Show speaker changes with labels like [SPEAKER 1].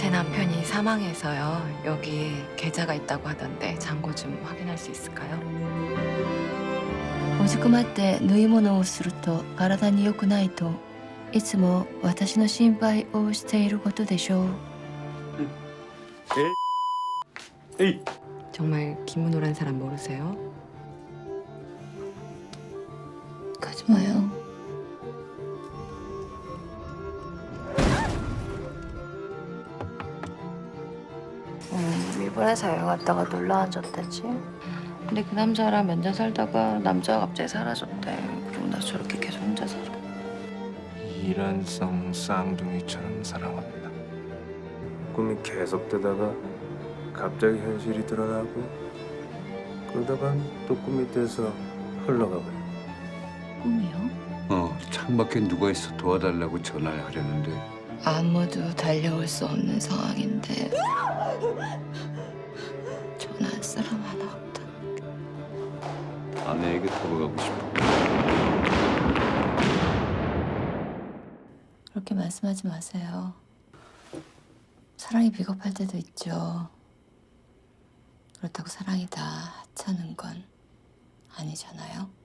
[SPEAKER 1] 제 남편이 사망해서요. 여기 계좌가 있다고 하던데 잔고 좀 확인할 수 있을까요?
[SPEAKER 2] もしくまって縫い物をすると体に良くないといつも私の心配をしていることでしょう。
[SPEAKER 3] 에이.
[SPEAKER 1] 정말 김문호란 사람 모르세요?
[SPEAKER 2] 가지 마요. 일본에서 여행 갔다가 놀러 앉았대지. 근데 그 남자랑 몇 년 살다가 남자가 갑자기 사라졌대. 그리고 나 저렇게 계속 혼자 살아.
[SPEAKER 3] 이란성 쌍둥이처럼 살아왔다. 꿈이 계속되다가 갑자기 현실이 드러나고 그러다간 또 꿈이 돼서 흘러가 버려.
[SPEAKER 2] 꿈이요?
[SPEAKER 4] 창밖에 누가 있어 도와달라고 전화를 하려는데
[SPEAKER 2] 아무도 달려올 수 없는 상황인데 전화할 사람 하나 없다.
[SPEAKER 4] 아내에게 돌아가고 싶어.
[SPEAKER 2] 그렇게 말씀하지 마세요. 사랑이 비겁할 때도 있죠. 그렇다고 사랑이 다 하찮은 건 아니잖아요.